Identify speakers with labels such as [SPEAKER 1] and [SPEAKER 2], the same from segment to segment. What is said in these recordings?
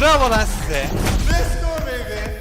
[SPEAKER 1] Bravo lan size. Let's go baby.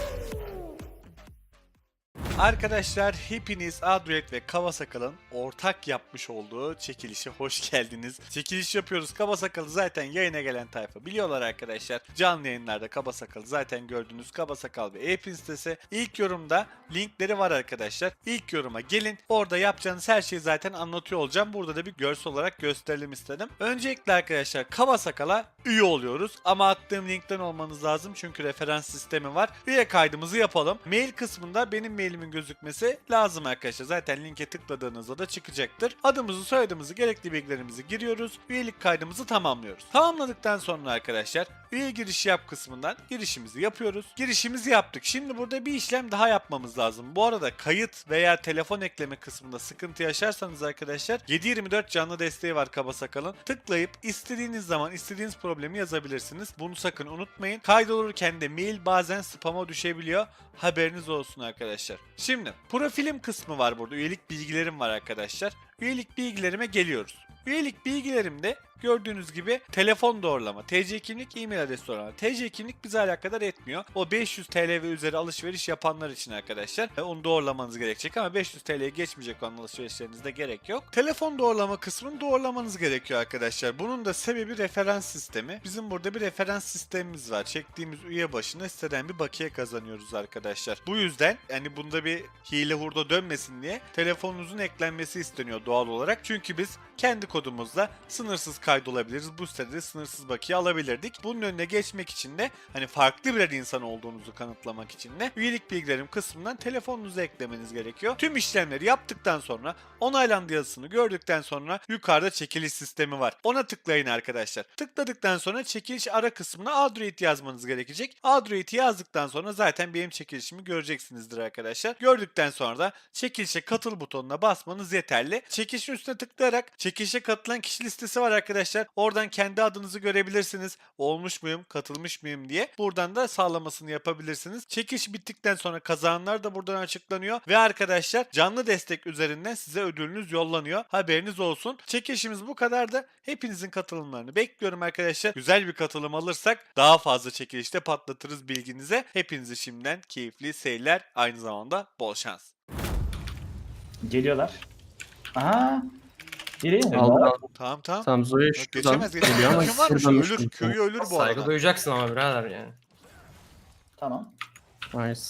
[SPEAKER 1] Arkadaşlar hepiniz Adroid ve Kavasakal'ın ortak yapmış olduğu çekilişe hoş geldiniz. Çekiliş yapıyoruz. Kavasakal'ı zaten yayına gelen tayfa biliyorlar arkadaşlar. Canlı yayınlarda Kavasakal'ı zaten gördünüz. Kabasakal ve e-pin sitesi. İlk yorumda linkleri var arkadaşlar. İlk yoruma gelin. Orada yapacağınız her şeyi zaten anlatıyor olacağım. Burada da bir görsel olarak gösterelim istedim. Öncelikle arkadaşlar Kavasakal'a üye oluyoruz. Ama attığım linkten olmanız lazım. Çünkü referans sistemi var. Üye kaydımızı yapalım. Mail kısmında benim mailimin gözükmesi lazım arkadaşlar. Zaten linke tıkladığınızda da çıkacaktır. Adımızı, soyadımızı, gerekli bilgilerimizi giriyoruz. Üyelik kaydımızı tamamlıyoruz. Tamamladıktan sonra arkadaşlar üye giriş yap kısmından girişimizi yapıyoruz. Girişimizi yaptık. Şimdi burada bir işlem daha yapmamız lazım. Bu arada kayıt veya telefon ekleme kısmında sıkıntı yaşarsanız arkadaşlar 7/24 canlı desteği var Kabasakal'ın. Tıklayıp istediğiniz zaman istediğiniz problemi yazabilirsiniz. Bunu sakın unutmayın. Kaydolurken de mail bazen spam'a düşebiliyor. Haberiniz olsun arkadaşlar. Şimdi profilim kısmı var burada. Üyelik bilgilerim var arkadaşlar. Üyelik bilgilerime geliyoruz. Üyelik bilgilerimde gördüğünüz gibi telefon doğrulama, TC kimlik, e-mail adresi doğrulama. TC kimlik bize alakadar etmiyor. O 500 TL ve üzeri alışveriş yapanlar için arkadaşlar. Onu doğrulamanız gerekecek ama 500 TL'ye geçmeyecek olan alışverişlerinizde gerek yok. Telefon doğrulama kısmını doğrulamanız gerekiyor arkadaşlar. Bunun da sebebi referans sistemi. Bizim burada bir referans sistemimiz var. Çektiğimiz üye başına siteden bir bakiye kazanıyoruz arkadaşlar. Bu yüzden yani bunda bir hile hurda dönmesin diye telefonunuzun eklenmesi isteniyor doğal olarak. Çünkü biz kendi kodumuzla sınırsız kaydolabiliriz. Bu sitede sınırsız bakiye alabilirdik. Bunun önüne geçmek için de hani farklı bir insan olduğunuzu kanıtlamak için de üyelik bilgilerim kısmından telefonunuzu eklemeniz gerekiyor. Tüm işlemleri yaptıktan sonra onaylandı yazısını gördükten sonra yukarıda çekiliş sistemi var. Ona tıklayın arkadaşlar. Tıkladıktan sonra çekiliş ara kısmına Adroid yazmanız gerekecek. Adroid'i yazdıktan sonra zaten benim çekilişimi göreceksinizdir arkadaşlar. Gördükten sonra da çekilişe katıl butonuna basmanız yeterli. Çekilişin üstüne tıklayarak çekilişe katılan kişi listesi var arkadaşlar. Oradan kendi adınızı görebilirsiniz. Olmuş muyum, katılmış mıyım diye. Buradan da sağlamasını yapabilirsiniz. Çekiliş bittikten sonra kazananlar da buradan açıklanıyor. Ve arkadaşlar canlı destek üzerinden size ödülünüz yollanıyor. Haberiniz olsun. Çekilişimiz bu kadar da hepinizin katılımlarını bekliyorum arkadaşlar. Güzel bir katılım alırsak daha fazla çekilişte patlatırız bilginize. Hepinize şimdiden keyifli seyirler. Aynı zamanda bol şans.
[SPEAKER 2] Geliyorlar. Aha. Nereye mi?
[SPEAKER 3] Aldı.
[SPEAKER 1] Tamam tamam.
[SPEAKER 3] Tamam Zoya
[SPEAKER 1] Bak,
[SPEAKER 3] şuradan
[SPEAKER 1] geçemez
[SPEAKER 3] geliyor ama
[SPEAKER 1] Kim varmış?
[SPEAKER 3] şuradan
[SPEAKER 1] Ölür.
[SPEAKER 3] düştüm.
[SPEAKER 1] Köyü ölür bu
[SPEAKER 4] Saygı
[SPEAKER 1] arada.
[SPEAKER 4] duyacaksın ama birader yani.
[SPEAKER 2] Tamam.
[SPEAKER 3] Nice.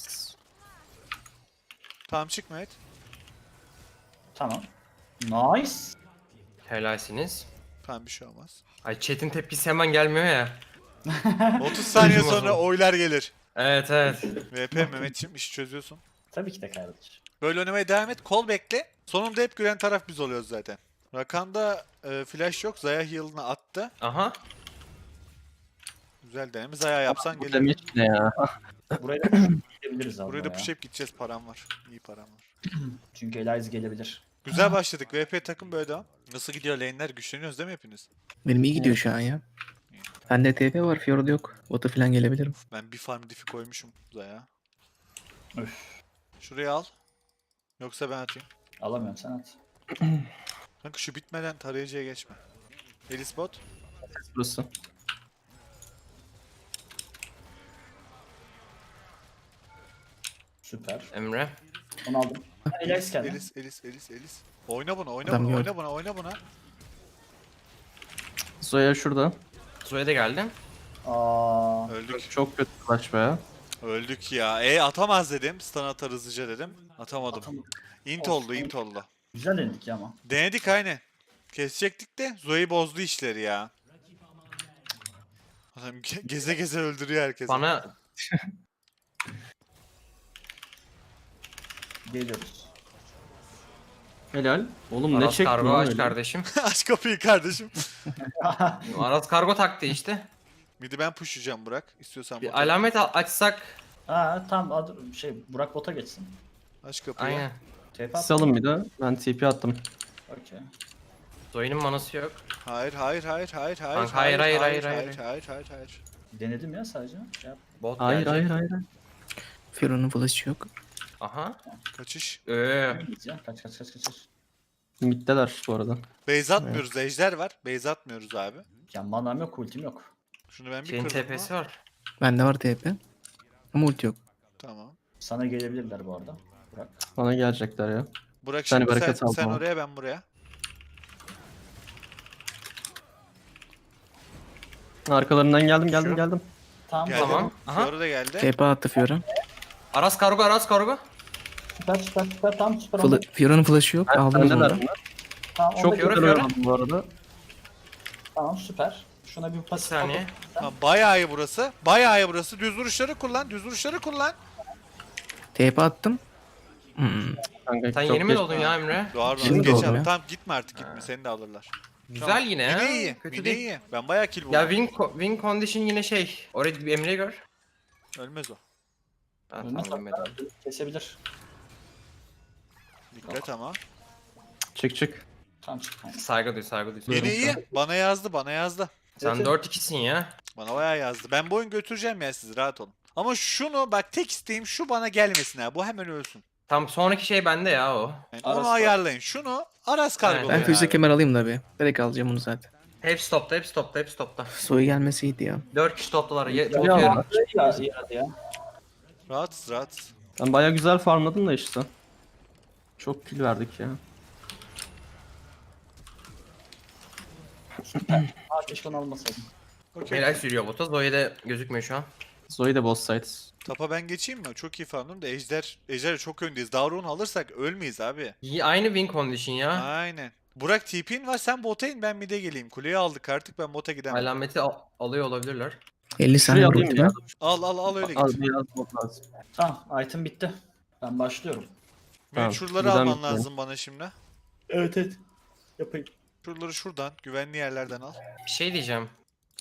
[SPEAKER 1] Tamam çık Mehmet.
[SPEAKER 2] Tamam. Nice.
[SPEAKER 4] Helalsiniz.
[SPEAKER 1] Tamam bir şey olmaz.
[SPEAKER 4] Ay chat'in tepkisi hemen gelmiyor ya.
[SPEAKER 1] 30 saniye
[SPEAKER 4] Duymaz
[SPEAKER 1] sonra
[SPEAKER 4] o.
[SPEAKER 1] oylar gelir.
[SPEAKER 4] Evet evet.
[SPEAKER 1] VP Mehmetciğim işi çözüyorsun.
[SPEAKER 2] Tabii ki de kardeş.
[SPEAKER 1] Böyle oynamaya devam et. Kol bekle. Sonunda hep gülen taraf biz oluyoruz zaten. Rakan'da flash yok. Zaya heal'ını attı.
[SPEAKER 4] Aha.
[SPEAKER 1] Güzel deneme. Zaya yapsan
[SPEAKER 3] Bu
[SPEAKER 1] gelir.
[SPEAKER 3] demiş ne ya?
[SPEAKER 2] Buraya da gidebiliriz abi.
[SPEAKER 1] Buraya da
[SPEAKER 2] ya.
[SPEAKER 1] push up gideceğiz. Param var. İyi param var.
[SPEAKER 2] Çünkü Elias gelebilir.
[SPEAKER 1] Güzel başladık. VP takım böyle devam. Nasıl gidiyor lane'ler? Güçleniyoruz değil mi hepiniz?
[SPEAKER 5] Benim iyi gidiyor şu an ya. Bende TP var, Fjord yok. Bota falan gelebilirim.
[SPEAKER 1] Ben bir farm diff'i koymuşum Zaya.
[SPEAKER 2] Öf.
[SPEAKER 1] Şurayı al. Yoksa ben atayım.
[SPEAKER 2] Alamıyorum sen at.
[SPEAKER 1] Kanka şu bitmeden tarayıcıya geçme. Elis bot.
[SPEAKER 3] Burası.
[SPEAKER 2] Süper.
[SPEAKER 4] Emre.
[SPEAKER 2] Onu aldım. Elias geldi.
[SPEAKER 1] Elis. Oyna buna, oyna
[SPEAKER 5] Adam
[SPEAKER 1] buna,
[SPEAKER 5] gördüm.
[SPEAKER 1] oyna buna, oyna buna.
[SPEAKER 3] Zoya şurada.
[SPEAKER 4] Zoe de geldi.
[SPEAKER 2] Aa.
[SPEAKER 1] Öldük.
[SPEAKER 3] Çok kötü flash be.
[SPEAKER 1] Öldük ya. Atamaz dedim. Stun atar hızlıca dedim. Atamadım. Int oldu, int oldu.
[SPEAKER 2] Güzel denedik ya ama.
[SPEAKER 1] Denedik aynı. Kesecektik de Zoe bozdu işleri ya. Adam geze geze öldürüyor herkesi.
[SPEAKER 4] Bana
[SPEAKER 2] Geliyoruz.
[SPEAKER 3] Helal. Oğlum ne
[SPEAKER 4] Aras
[SPEAKER 3] çektin
[SPEAKER 4] kargo
[SPEAKER 3] lan
[SPEAKER 4] aç
[SPEAKER 3] öyle?
[SPEAKER 4] kardeşim.
[SPEAKER 1] Aç kapıyı kardeşim.
[SPEAKER 4] Aras kargo taktı işte.
[SPEAKER 1] Midi ben pushlayacağım Burak. İstiyorsan
[SPEAKER 4] Bir
[SPEAKER 1] bota.
[SPEAKER 4] alamet açsak.
[SPEAKER 2] Aa tamam Burak bota geçsin.
[SPEAKER 1] Aç kapıyı.
[SPEAKER 4] Aynen.
[SPEAKER 2] TP at.
[SPEAKER 3] Salın bir de. Ben TP attım.
[SPEAKER 2] Okey.
[SPEAKER 4] Zoe'nin manası yok.
[SPEAKER 1] Hayır.
[SPEAKER 4] Kanka, hayır.
[SPEAKER 2] Denedim ya sadece. Şey yap.
[SPEAKER 4] Bot
[SPEAKER 3] Hayır
[SPEAKER 4] gelecek.
[SPEAKER 3] hayır.
[SPEAKER 5] Fjord'un flash'ı yok.
[SPEAKER 4] Aha.
[SPEAKER 1] Kaçış.
[SPEAKER 2] Git ya. Kaç.
[SPEAKER 3] Middeler bu arada.
[SPEAKER 1] Base atmıyoruz. Ejder var. Base atmıyoruz abi.
[SPEAKER 2] Ya manam yok, ultim yok.
[SPEAKER 1] Şunu ben bir
[SPEAKER 4] Şeyin
[SPEAKER 1] kırdım
[SPEAKER 4] TP'si
[SPEAKER 1] mı?
[SPEAKER 4] var.
[SPEAKER 5] Bende var TP. Ama ulti yok.
[SPEAKER 1] Tamam.
[SPEAKER 2] Sana gelebilirler bu arada. Bırak.
[SPEAKER 3] Bana gelecekler ya.
[SPEAKER 1] Burak
[SPEAKER 3] Sen
[SPEAKER 1] şimdi
[SPEAKER 3] bereket
[SPEAKER 1] sen,
[SPEAKER 3] al
[SPEAKER 1] sen
[SPEAKER 3] bana.
[SPEAKER 1] oraya ben buraya.
[SPEAKER 3] Arkalarından geldim
[SPEAKER 4] Şu.
[SPEAKER 3] geldim.
[SPEAKER 2] Tamam.
[SPEAKER 1] Geldi.
[SPEAKER 4] Tamam. Aha.
[SPEAKER 1] Fiora da geldi.
[SPEAKER 5] TP attı Fiora.
[SPEAKER 4] Aras kargo, Aras kargo.
[SPEAKER 2] Süper. Tamam süper oldu.
[SPEAKER 5] Fiora'nın flash'ı yok. Aldınız
[SPEAKER 3] Bendeler
[SPEAKER 5] onu.
[SPEAKER 3] bunlar.
[SPEAKER 2] Tamam, onu
[SPEAKER 3] Çok
[SPEAKER 2] da
[SPEAKER 3] güzel
[SPEAKER 4] Fiora.
[SPEAKER 3] oynadım bu arada.
[SPEAKER 2] Tamam süper. Şuna bir
[SPEAKER 4] Bir
[SPEAKER 2] pasif
[SPEAKER 4] saniye.
[SPEAKER 1] Tamam, bayağı iyi burası. Bayağı iyi burası. Düz vuruşları kullan. Düz vuruşları kullan.
[SPEAKER 5] TP attım.
[SPEAKER 3] Kanka,
[SPEAKER 4] Sen
[SPEAKER 3] çok
[SPEAKER 4] yeni mi
[SPEAKER 3] geç-
[SPEAKER 4] doğdun ya Emre?
[SPEAKER 1] Doğru.
[SPEAKER 5] Şimdi
[SPEAKER 1] Geç
[SPEAKER 5] doğdum
[SPEAKER 1] abi.
[SPEAKER 5] ya.
[SPEAKER 1] Tamam gitme artık gitme. Seni de alırlar.
[SPEAKER 4] Güzel
[SPEAKER 1] Tamam.
[SPEAKER 4] yine
[SPEAKER 1] Yine
[SPEAKER 4] ya.
[SPEAKER 1] iyi.
[SPEAKER 4] Kötü
[SPEAKER 1] Yine
[SPEAKER 4] değil.
[SPEAKER 1] iyi. Ben bayağı kill buldum.
[SPEAKER 4] Ya win condition yine şey. Oraya bir Emre'yi gör.
[SPEAKER 1] Ölmez o.
[SPEAKER 4] Ha,
[SPEAKER 2] Ölmez
[SPEAKER 4] tamam
[SPEAKER 2] hatta.
[SPEAKER 4] Emre'den.
[SPEAKER 2] Kesebilir.
[SPEAKER 1] Dikkat ama.
[SPEAKER 3] Çık.
[SPEAKER 2] Tamam çık. Aynen.
[SPEAKER 4] Saygı duy, saygı duy.
[SPEAKER 1] Yine iyi. Bana yazdı. Bana yazdı.
[SPEAKER 4] Sen
[SPEAKER 2] Evet.
[SPEAKER 4] 4-2'sin ya.
[SPEAKER 1] Bana bayağı yazdı. Ben bu oyun götüreceğim ya, siz rahat olun. Ama şunu bak, tek isteğim şu bana gelmesin ha. Bu hemen ölsün.
[SPEAKER 4] Tam sonraki şey bende ya o.
[SPEAKER 1] Yani
[SPEAKER 2] Aras
[SPEAKER 1] onu
[SPEAKER 2] var.
[SPEAKER 1] ayarlayın. Şunu Aras kargolayın
[SPEAKER 5] Ben füze
[SPEAKER 1] abi.
[SPEAKER 5] kemer alayım da bir. Direkt alacağım onu zaten.
[SPEAKER 4] Hepsi topta, hepsi topta, hepsi topta.
[SPEAKER 5] Soyu gelmesi iyiydi ya.
[SPEAKER 4] 4 kişi toptalar.
[SPEAKER 3] Ya,
[SPEAKER 4] Bakıyorum.
[SPEAKER 2] İyi hadi ya.
[SPEAKER 1] Rahatsız rahatsız.
[SPEAKER 3] Ben bayağı güzel farmladım da işte. Çok kill verdik ya.
[SPEAKER 2] Aa keşke onu almasaydım.
[SPEAKER 1] Okey.
[SPEAKER 4] Helal sürüyor bota. Zoe de gözükmüyor şu an.
[SPEAKER 3] Zoe de boss side.
[SPEAKER 1] Tapa ben geçeyim mi? Çok iyi fanım da Ejder çok öndeyiz. Davron'u alırsak ölmeyiz abi.
[SPEAKER 4] Aynı win condition ya.
[SPEAKER 1] Aynen. Burak TP'in var, sen bota in, ben mid'e geleyim. Kuleyi aldık artık, ben bota gidemem.
[SPEAKER 4] Alameti alıyor olabilirler.
[SPEAKER 5] 50 saniye
[SPEAKER 3] Şuraya
[SPEAKER 5] var
[SPEAKER 3] alayım
[SPEAKER 5] ultime.
[SPEAKER 3] ya.
[SPEAKER 1] Al öyle
[SPEAKER 3] Al
[SPEAKER 1] git.
[SPEAKER 3] biraz bot lazım.
[SPEAKER 2] Tamam item bitti. Ben başlıyorum.
[SPEAKER 1] Ben
[SPEAKER 3] Tamam,
[SPEAKER 1] şuraları
[SPEAKER 3] buradan
[SPEAKER 1] alman
[SPEAKER 3] bitmiyor.
[SPEAKER 1] lazım bana şimdi.
[SPEAKER 2] Evet. Yapayım.
[SPEAKER 1] Şuraları şuradan, güvenli yerlerden al.
[SPEAKER 4] Bir şey diyeceğim.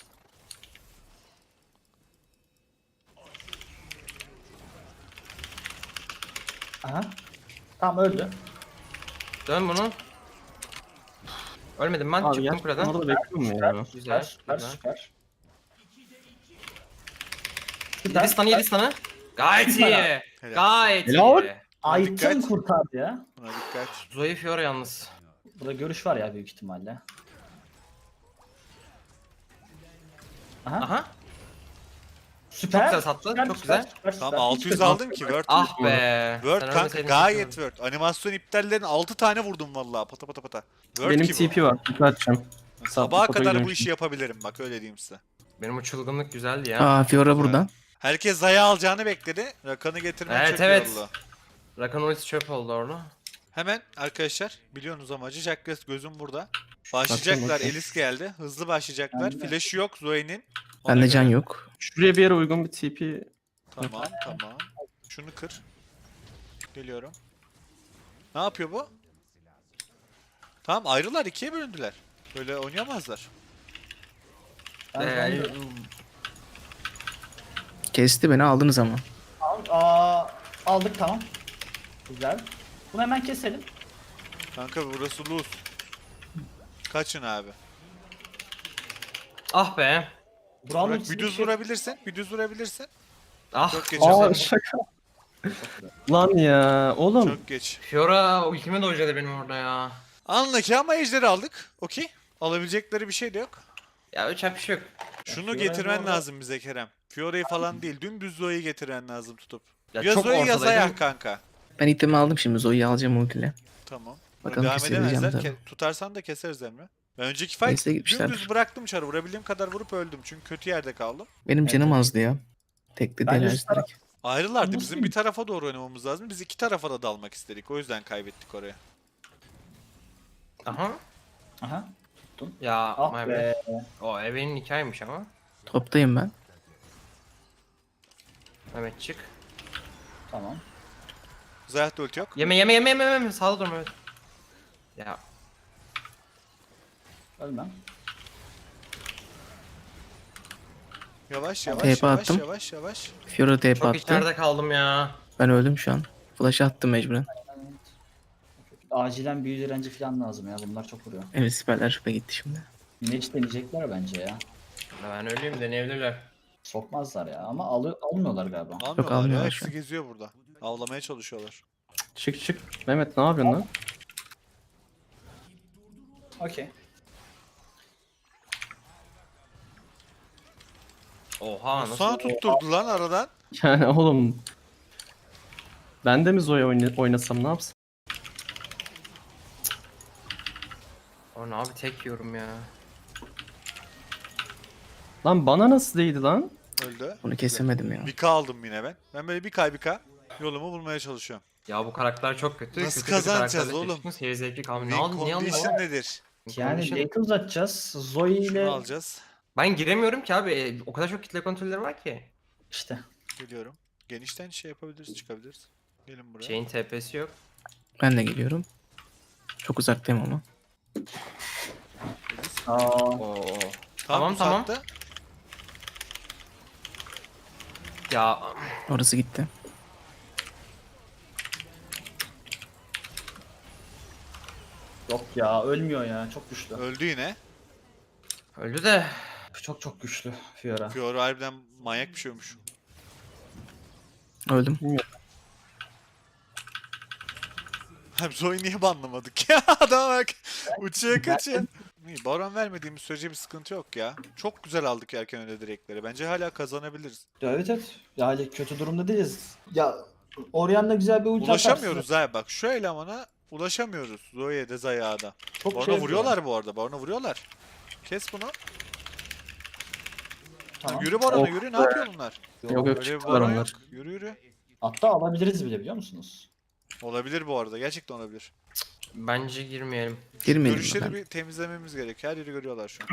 [SPEAKER 2] Aha. Tamam öldü.
[SPEAKER 4] Dön bunu. Ölmedim ben.
[SPEAKER 3] Abi
[SPEAKER 4] Çıktım
[SPEAKER 3] gerçekten
[SPEAKER 4] kuleden.
[SPEAKER 3] orada bekliyorum ya.
[SPEAKER 4] Güzel.
[SPEAKER 2] Süper
[SPEAKER 4] güzel.
[SPEAKER 2] süper.
[SPEAKER 4] 7 stun'ı 7 stun'ı. Gayet iyi.
[SPEAKER 1] Helal.
[SPEAKER 4] Gayet
[SPEAKER 3] Helal.
[SPEAKER 4] iyi.
[SPEAKER 2] Item
[SPEAKER 1] Dikkat.
[SPEAKER 2] kurtardı ya.
[SPEAKER 1] Buna dikkat.
[SPEAKER 4] Zoe Fiora yalnız.
[SPEAKER 2] Burada görüş var ya büyük ihtimalle. Aha.
[SPEAKER 4] Aha.
[SPEAKER 2] Süper.
[SPEAKER 4] Çok güzel sattı,
[SPEAKER 2] Süper,
[SPEAKER 4] çok
[SPEAKER 2] süper,
[SPEAKER 4] güzel.
[SPEAKER 2] süper,
[SPEAKER 1] Tamam
[SPEAKER 2] süper.
[SPEAKER 1] 600
[SPEAKER 2] Süper.
[SPEAKER 1] aldım ki Word.
[SPEAKER 4] Ah be.
[SPEAKER 1] Word
[SPEAKER 4] Sen
[SPEAKER 1] kanka,
[SPEAKER 4] ölmeseydin
[SPEAKER 1] gayet
[SPEAKER 4] kesin.
[SPEAKER 1] Word. Animasyon iptallerini 6 tane vurdum vallahi, pata pata pata. Word
[SPEAKER 3] Benim
[SPEAKER 1] ki bu.
[SPEAKER 3] TP var. TP atacağım.
[SPEAKER 1] Sabaha
[SPEAKER 3] Fotoğrafı
[SPEAKER 1] kadar bu
[SPEAKER 3] görmüştüm.
[SPEAKER 1] işi yapabilirim bak, öyle diyeyim size.
[SPEAKER 4] Benim o çılgınlık güzeldi ya.
[SPEAKER 5] Aa Fiora burada.
[SPEAKER 1] Herkes Zaya alacağını bekledi. Rakan'ı getirmen
[SPEAKER 4] Evet,
[SPEAKER 1] çok
[SPEAKER 4] evet.
[SPEAKER 1] iyi oldu.
[SPEAKER 4] Rakan ultisi çöp oldu orada.
[SPEAKER 1] Hemen arkadaşlar, biliyorsunuz amacı. Jacques gözüm burada. Başlayacaklar.
[SPEAKER 3] bakayım.
[SPEAKER 1] Elis geldi. Hızlı başlayacaklar.
[SPEAKER 2] Ben de.
[SPEAKER 1] Flash'ı yok Zoe'nin. Ona
[SPEAKER 5] Bende
[SPEAKER 1] göre.
[SPEAKER 5] can yok.
[SPEAKER 3] Şuraya bir yere uygun bir TP.
[SPEAKER 1] Tamam tamam. Şunu kır. Geliyorum. Ne yapıyor bu? Tamam, ayrılar, ikiye bölündüler. Böyle oynayamazlar.
[SPEAKER 2] Ben-
[SPEAKER 5] Kesti beni, aldınız ama.
[SPEAKER 2] Aldık tamam. Güzel. Bunu hemen keselim.
[SPEAKER 1] Kanka burası loose. Kaçın abi.
[SPEAKER 4] Ah be.
[SPEAKER 2] Buranın
[SPEAKER 1] Bırak,
[SPEAKER 2] ultisi
[SPEAKER 1] bir düz
[SPEAKER 2] şey-
[SPEAKER 1] vurabilirsin. Bir düz vurabilirsin.
[SPEAKER 4] Ah.
[SPEAKER 1] Çok geç.
[SPEAKER 3] Aa şaka. Lan ya oğlum.
[SPEAKER 1] Çok geç.
[SPEAKER 4] Fiora ultime dojladı benim orada ya.
[SPEAKER 1] Anla ki ama ejderi aldık. Okey. Alabilecekleri bir şey de yok.
[SPEAKER 4] Ya uçak bir şey yok.
[SPEAKER 1] Şunu
[SPEAKER 2] Fiora'yı
[SPEAKER 1] getirmen
[SPEAKER 2] orada-
[SPEAKER 1] lazım bize Kerem. Fiora'yı falan değil. Dümdüz Zoe'yi getirmen lazım tutup.
[SPEAKER 4] Ya
[SPEAKER 1] Ya
[SPEAKER 4] çok
[SPEAKER 1] Zoe ya
[SPEAKER 4] ortadaydım.
[SPEAKER 1] Zaya kanka.
[SPEAKER 5] Ben itemi aldım şimdi. Zoe'yi alacağım ultiyle.
[SPEAKER 1] Tamam.
[SPEAKER 5] Bakalım
[SPEAKER 1] Devam
[SPEAKER 5] kesebileceğim
[SPEAKER 1] edemezler.
[SPEAKER 5] tabii.
[SPEAKER 1] Tutarsan da keseriz Emre. Ben önceki fight
[SPEAKER 5] Neyse, gitmişler.
[SPEAKER 1] dümdüz bıraktım çarı. Vurabildiğim kadar vurup öldüm. Çünkü kötü yerde kaldım.
[SPEAKER 5] Benim canım azdı ya. Tekli
[SPEAKER 2] Ben
[SPEAKER 5] değil
[SPEAKER 2] üst taraf-
[SPEAKER 5] direkt.
[SPEAKER 1] Ayrılardı.
[SPEAKER 2] Nasıl
[SPEAKER 1] Bizim
[SPEAKER 2] iyi?
[SPEAKER 1] bir tarafa doğru oynamamız lazım. Biz iki tarafa da dalmak istedik. O yüzden kaybettik oraya.
[SPEAKER 4] Aha.
[SPEAKER 2] Aha.
[SPEAKER 4] Ya
[SPEAKER 2] Ah
[SPEAKER 4] my
[SPEAKER 2] be.
[SPEAKER 4] bad. O Evelyn hikayeymiş ama.
[SPEAKER 5] Toptayım ben.
[SPEAKER 4] Mehmet çık.
[SPEAKER 2] Tamam.
[SPEAKER 1] Zayat da ulti yok.
[SPEAKER 4] Yeme. Sağda durma Mehmet. Ya
[SPEAKER 2] Ölmem.
[SPEAKER 1] Yavaş yavaş
[SPEAKER 5] TP
[SPEAKER 1] yavaş
[SPEAKER 5] attım.
[SPEAKER 1] yavaş yavaş.
[SPEAKER 5] Fiora TP
[SPEAKER 4] çok
[SPEAKER 5] attı.
[SPEAKER 4] içeride kaldım ya.
[SPEAKER 5] Ben öldüm şu an. Flash attım mecburen.
[SPEAKER 2] Acilen büyü direnci falan lazım ya. Bunlar çok vuruyor.
[SPEAKER 5] Evet, siperler şüphe gitti şimdi.
[SPEAKER 2] Mage deneyecekler bence ya.
[SPEAKER 4] Ben öleyim deneyebilirler.
[SPEAKER 2] Sokmazlar ya ama almıyorlar galiba.
[SPEAKER 1] Almıyorlar ya.
[SPEAKER 5] almıyorlar şu
[SPEAKER 1] Hepsi
[SPEAKER 5] an.
[SPEAKER 1] geziyor burada. Avlamaya çalışıyorlar.
[SPEAKER 3] Çık. Mehmet ne yapıyorsun lan?
[SPEAKER 2] Okey.
[SPEAKER 4] Oha nasıl?
[SPEAKER 1] Sana tutturdu lan aradan.
[SPEAKER 3] Yani oğlum. Ben de mi Zoe oynasam ne yapsam?
[SPEAKER 4] Orn abi tek yiyorum ya.
[SPEAKER 3] Lan bana nasıl değdi lan?
[SPEAKER 1] Öldü.
[SPEAKER 5] Bunu kesemedim ya.
[SPEAKER 1] Bir K aldım yine ben. Ben böyle bir K yolumu bulmaya çalışıyorum.
[SPEAKER 4] Ya bu karakter çok kötü.
[SPEAKER 1] Nasıl
[SPEAKER 4] Kötü
[SPEAKER 1] kazanacağız
[SPEAKER 4] karakterle
[SPEAKER 1] oğlum?
[SPEAKER 4] çekişmiş, Seyir zevkli kalmıyor. Ne
[SPEAKER 1] Win
[SPEAKER 4] aldın? Niye aldın?
[SPEAKER 1] condition nedir?
[SPEAKER 2] Yani
[SPEAKER 4] Condition-
[SPEAKER 2] late uzatacağız. Zoe
[SPEAKER 1] Şunu
[SPEAKER 2] ile
[SPEAKER 1] alacağız.
[SPEAKER 4] Ben giremiyorum ki abi. O kadar çok kitle kontrolleri var ki.
[SPEAKER 2] işte.
[SPEAKER 1] Geliyorum. Genişten şey yapabiliriz, çıkabiliriz. Gelin buraya.
[SPEAKER 4] Şeyin TP'si yok.
[SPEAKER 5] Ben de geliyorum. Çok uzaktayım ama.
[SPEAKER 2] Aa,
[SPEAKER 4] Oo.
[SPEAKER 1] Tamam,
[SPEAKER 4] tamam.
[SPEAKER 1] uzattı.
[SPEAKER 4] Ya
[SPEAKER 5] Orası gitti.
[SPEAKER 2] yok ya ölmüyor ya. Çok güçlü.
[SPEAKER 1] Öldü yine.
[SPEAKER 4] öldü de.
[SPEAKER 2] Çok güçlü Fiora.
[SPEAKER 1] Fiora harbiden manyak bir şeymiş.
[SPEAKER 5] Öldüm.
[SPEAKER 1] Abi Zoe niye banlamadık ya? Adama bak. Uçuyor kaçıyor. İyi, Baron vermediğimiz sürece bir sıkıntı yok ya. Çok güzel aldık erken öyle direkleri. Bence hala kazanabiliriz.
[SPEAKER 2] Ya evet evet. Yani kötü durumda değiliz. Ya Orianna güzel bir ulti
[SPEAKER 1] Ulaşamıyoruz ha bak. Şu elemana ulaşamıyoruz. Zoe'ye de Zaya'ya da.
[SPEAKER 2] Çok
[SPEAKER 1] Baron'a
[SPEAKER 2] şey
[SPEAKER 1] vuruyorlar bu arada. Baron'a vuruyorlar. Kes bunu.
[SPEAKER 2] Tamam.
[SPEAKER 1] Yürü Baron'a
[SPEAKER 3] Of
[SPEAKER 1] yürü. Ne yapıyor bunlar?
[SPEAKER 3] Yok yok
[SPEAKER 1] Öyle bir
[SPEAKER 3] çıktılar
[SPEAKER 1] Baron
[SPEAKER 3] onlar.
[SPEAKER 1] yok. Yürü yürü.
[SPEAKER 2] Hatta alabiliriz bile biliyor musunuz?
[SPEAKER 1] Olabilir bu arada. Gerçekten olabilir.
[SPEAKER 4] Bence girmeyelim.
[SPEAKER 5] Girmeyelim
[SPEAKER 1] Görüşleri
[SPEAKER 5] ben.
[SPEAKER 1] bir temizlememiz gerek. Her yeri görüyorlar şu an.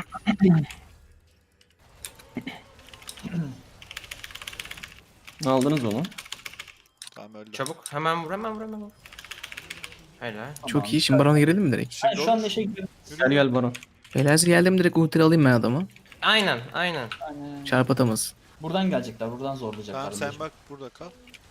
[SPEAKER 3] Aldınız onu.
[SPEAKER 1] Tamam öldü.
[SPEAKER 4] Çabuk hemen vur hemen vur hemen vur. Helal.
[SPEAKER 5] Çok iyi. Şimdi Baron'a girelim mi direkt?
[SPEAKER 1] Şimdi
[SPEAKER 2] Ben şu an
[SPEAKER 1] olur.
[SPEAKER 2] neşe gidiyorum.
[SPEAKER 1] Yürü,
[SPEAKER 3] Gel
[SPEAKER 1] yürü.
[SPEAKER 3] gel Baron.
[SPEAKER 5] Beyler geldim direkt ulti alayım ben adamı.
[SPEAKER 4] Aynen aynen.
[SPEAKER 2] Yani
[SPEAKER 5] Çarp atamaz.
[SPEAKER 2] buradan gelecekler. Buradan zorlayacaklar.
[SPEAKER 1] Tamam sen bak burada kal.